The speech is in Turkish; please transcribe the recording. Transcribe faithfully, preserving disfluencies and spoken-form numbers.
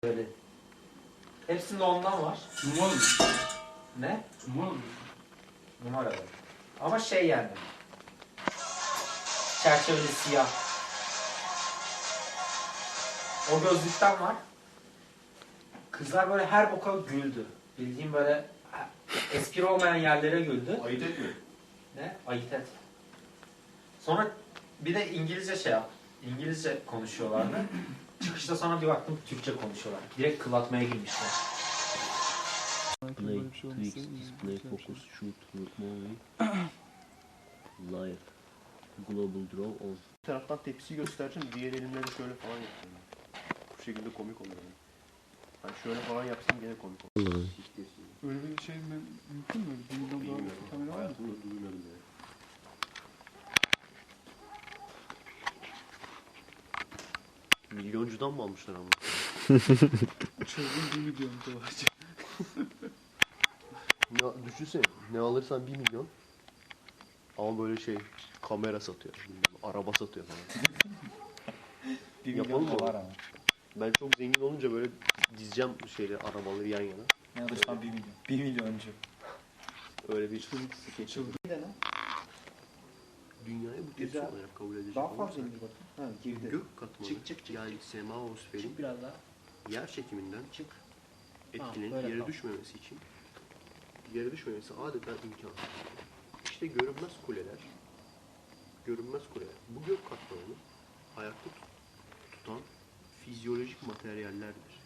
Böyle. Hepsinde ondan var. Numaralı mı? Ne? Numaralı mı? Numaralı. Ama şey yani. Çerçeveli siyah. O gözlükten var. Kızlar böyle her boka güldü. Bildiğim böyle espri olmayan yerlere güldü. Ayıt etme. Ne? Ayıt et. Sonra bir de İngilizce şey yap. İngilizce konuşuyorlardı. Çıkışta sonra bir baktım Türkçe konuşuyorlar. Direkt kıl atmaya girmişler. Play, Twix, display, focus, shoot, movie, live, global draw, on. Bir taraftan tepsi göstereceğim, diğer elimle de şöyle falan yapacağım. Bu şekilde komik oluyor. Yani şöyle falan yapsam gene komik olur. Öyle bir şey mi, mümkün mü? Bir milyon dolar Bilmiyorum. kamera var mı? Hayatımda duymadım ya. Milyoncudan mı almışlar ama? Çılgın bir milyon dolar. Ne, düşünsene, ne alırsan bir milyon. Ama böyle şey, kamera satıyor, bilmem, araba satıyor falan. Bir Yapalım milyon mı? var ama. Ben çok zengin olunca böyle dizeceğim şeyleri, arabaları yan yana. Ne alırsan bir milyon. Bir milyoncu. Öyle bir skeç. Dünyayı bu tepsi Güzel. olarak kabul edecek Daha olursak, fazla indir bakayım. Ha girdi. gök katmanı, Çık, çık, çık, yani semaosferin Çık biraz daha. yer çekiminden Çık. etkilenip böyle yere kal. düşmemesi için, yere düşmemesi adeta imkansız. İşte görünmez kuleler, görünmez kuleler, bu gök katmanını ayakta tut- tutan fizyolojik materyallerdir.